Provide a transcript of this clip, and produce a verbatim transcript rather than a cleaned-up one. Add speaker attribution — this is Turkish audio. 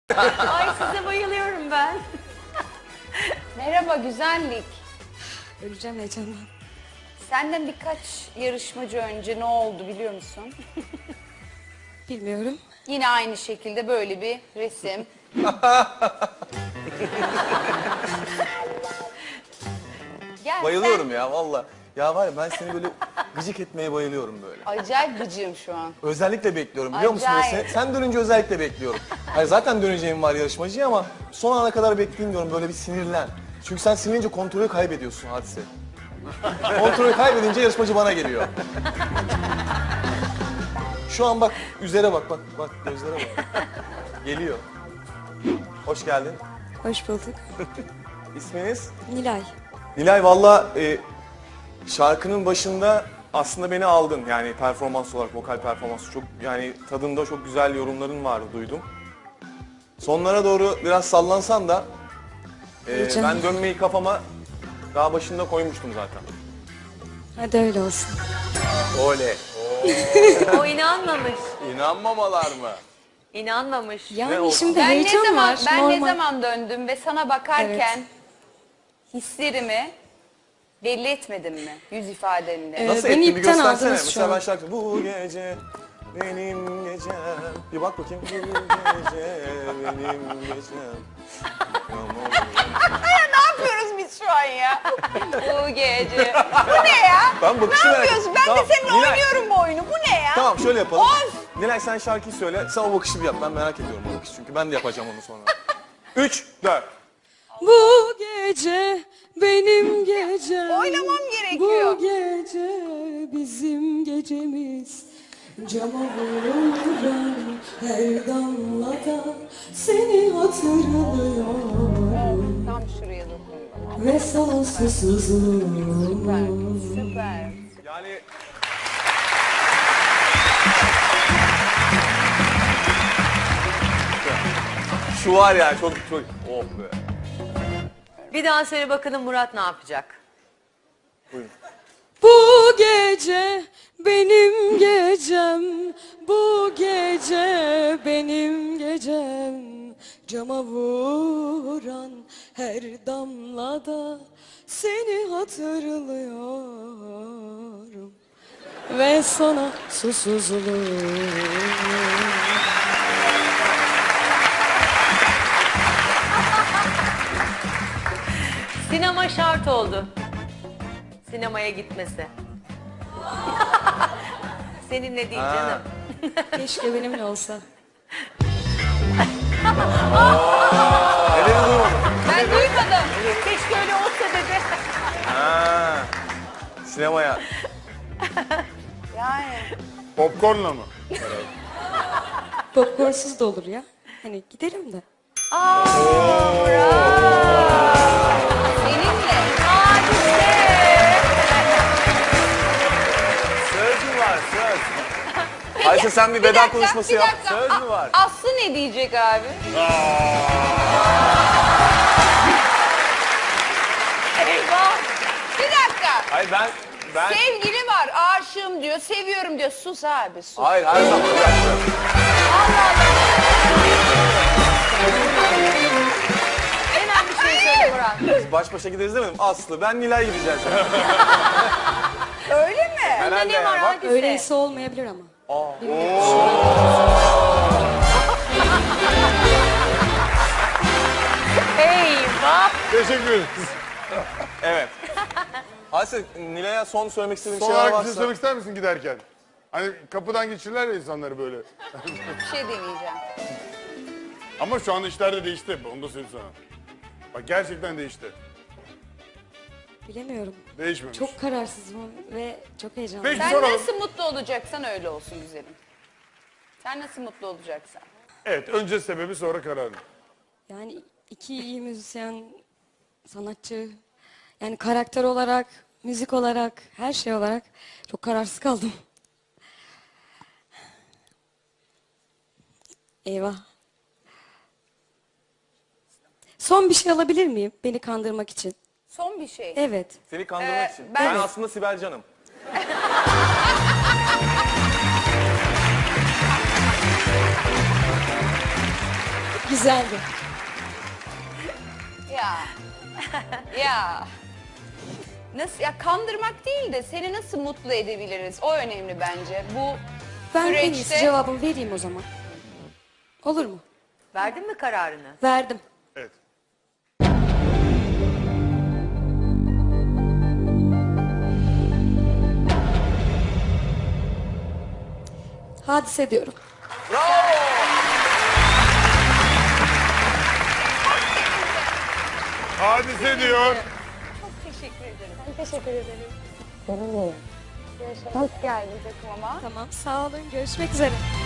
Speaker 1: Ay size bayılıyorum ben.
Speaker 2: Merhaba güzellik.
Speaker 3: Öleceğim heyecandan.
Speaker 2: Senden birkaç yarışmacı önce ne oldu biliyor musun?
Speaker 3: Bilmiyorum.
Speaker 2: Yine aynı şekilde böyle bir resim. Gel,
Speaker 4: Bayılıyorum ya valla. Ya var ya ben seni böyle gıcık etmeye bayılıyorum böyle.
Speaker 2: sen- Acayip gıcığım şu an.
Speaker 4: Özellikle bekliyorum biliyor musun?
Speaker 2: Acayip.
Speaker 4: Ve Sen, sen dönünce özellikle bekliyorum. Hayır zaten döneceğim var yarışmacıya ama son ana kadar bekleyeyim diyorum böyle bir sinirlen. Çünkü sen sinirlenince kontrolü kaybediyorsun Hadise. Kontrolü kaybedince yarışmacı bana geliyor. Şu an bak üzere bak bak bak gözlere bak. Geliyor. Hoş geldin.
Speaker 3: Hoş bulduk.
Speaker 4: İsminiz?
Speaker 3: Nilay.
Speaker 4: Nilay valla e, şarkının başında aslında beni aldın. Yani performans olarak, vokal performansı çok yani tadında çok güzel yorumların vardı duydum. Sonlara doğru biraz sallansan da e,
Speaker 3: Heyecan.
Speaker 4: ben dönmeyi kafama daha başında koymuştum zaten.
Speaker 3: Hadi öyle olsun.
Speaker 4: Oley.
Speaker 1: O inanmamış.
Speaker 4: İnanmamalar mı?
Speaker 1: İnanmamış.
Speaker 3: Yani
Speaker 4: oldu?
Speaker 3: şimdi
Speaker 2: Ben ne
Speaker 3: heyecan
Speaker 2: zaman
Speaker 3: var.
Speaker 2: ben
Speaker 3: normal.
Speaker 2: ne zaman döndüm ve sana bakarken
Speaker 3: Evet.
Speaker 2: hislerimi belli etmedim mi yüz ifademle?
Speaker 3: Evet.
Speaker 4: Nasıl
Speaker 3: beni
Speaker 4: ettin bir
Speaker 3: ipten
Speaker 4: göstersene.
Speaker 3: aldınız şu
Speaker 4: Mesela
Speaker 3: an.
Speaker 4: ben şarkı bu gece benim gecem. Bir bak bakayım. Bu gece benim gecem.
Speaker 2: Ne yapıyoruz biz şu an ya? Bu gece. Bu ne ya?
Speaker 4: Ben bakışı
Speaker 2: Ne
Speaker 4: merak
Speaker 2: yapıyorsun?
Speaker 4: ettim.
Speaker 2: Ben
Speaker 4: Tamam,
Speaker 2: de seninle
Speaker 4: Nilay.
Speaker 2: oynuyorum bu oyunu. Bu ne ya?
Speaker 4: Tamam şöyle yapalım.
Speaker 2: Of!
Speaker 4: Nilay sen şarkıyı söyle. Sen o bakışı bir yap. Ben merak ediyorum o bakışı. Çünkü ben de yapacağım onu sonra. Üç, dört.
Speaker 3: Bu gece benim gecem.
Speaker 2: Oynamam gerekiyor.
Speaker 3: Bu gece bizim gecemiz. Cama vuran her damlada seni hatırlıyorum.
Speaker 2: Tam şuraya dokun.
Speaker 3: Ve sana susuzluğum.
Speaker 2: Süper.
Speaker 4: Yani... Şu var ya çok çok... Oh be.
Speaker 1: Bir daha söyle bakalım Murat ne yapacak?
Speaker 4: Buyurun.
Speaker 3: Bu gece benim gecem, bu gece benim gecem. Cama vuran her damlada seni hatırlıyorum. Ve sana susuzluğum.
Speaker 1: Sinema şart oldu. Sinemaya gitmesi. Seninle değil
Speaker 4: Ha.
Speaker 1: canım.
Speaker 3: Keşke benimle olsa.
Speaker 4: Ne dedi duymadım.
Speaker 2: Ben duymadım.
Speaker 1: Keşke öyle olsa dedi.
Speaker 4: Ha. Sinemaya.
Speaker 2: Yani.
Speaker 5: Popcornla mı?
Speaker 3: Popcornsuz da olur ya. Hani gidelim de.
Speaker 2: Seninle.
Speaker 4: Söz mü var söz? Ayşe sen bir veda
Speaker 2: dakika,
Speaker 4: konuşması
Speaker 2: bir
Speaker 4: yap.
Speaker 2: dakika.
Speaker 4: Söz mü var?
Speaker 2: Aslı ne diyecek abi?
Speaker 1: Eyvah.
Speaker 2: Bir dakika.
Speaker 4: Hayır ben... ben...
Speaker 2: Sevgili var, aşığım diyor, seviyorum diyor. Sus abi, sus.
Speaker 4: Hayır her zaman bir dakika.
Speaker 1: Hemen bir şey söyle Murat.
Speaker 4: Biz baş başa gideriz demedim. Aslı ben Nilay gideceğiz.
Speaker 2: Öyle mi?
Speaker 4: Herhalde
Speaker 1: Ne var
Speaker 4: ya. Bak.
Speaker 1: hadise?
Speaker 3: Öyleyse olmayabilir ama.
Speaker 1: Eyvah.
Speaker 5: Teşekkür ederim.
Speaker 4: Evet. Hadise Nilay'a son söylemek istediğin
Speaker 5: Son
Speaker 4: şeyler
Speaker 5: olarak bir şey
Speaker 4: varsa.
Speaker 5: söylemek ister misin giderken? Hani kapıdan geçirirler ya insanları böyle.
Speaker 2: Bir şey deneyeceğim.
Speaker 5: Ama şu anda işler de değişti. Onu da söyleyeyim sana. Bak gerçekten değişti.
Speaker 3: Bilemiyorum.
Speaker 5: Değişmemiş.
Speaker 3: Çok kararsızım ve çok heyecanlıyım.
Speaker 5: Peki
Speaker 2: Sen
Speaker 5: soralım.
Speaker 2: nasıl mutlu olacaksan öyle olsun güzelim. Sen nasıl mutlu olacaksan.
Speaker 5: Evet önce sebebi sonra kararı.
Speaker 3: Yani iki iyi müzisyen, sanatçı, yani karakter olarak, müzik olarak, her şey olarak çok kararsız kaldım. Eyvah. Son bir şey alabilir miyim beni kandırmak için?
Speaker 2: Son bir şey.
Speaker 3: Evet.
Speaker 4: Seni kandırmak
Speaker 2: Ee,
Speaker 4: için.
Speaker 2: ben-
Speaker 4: Ben aslında Sibel Can'ım.
Speaker 3: Güzeldi.
Speaker 2: Ya. Ya. Nasıl ya, kandırmak değil de seni nasıl mutlu edebiliriz? O önemli bence. Bu
Speaker 3: Ben en
Speaker 2: süreçte
Speaker 3: iyisi cevabımı vereyim o zaman. Olur mu?
Speaker 1: Verdin mi kararını?
Speaker 3: Verdim.
Speaker 5: Evet.
Speaker 3: Hadise diyorum.
Speaker 5: Hadise diyor.
Speaker 2: teşekkür ederim. Hoş geldin takımıma.
Speaker 3: Tamam, sağ olun. Görüşmek üzere.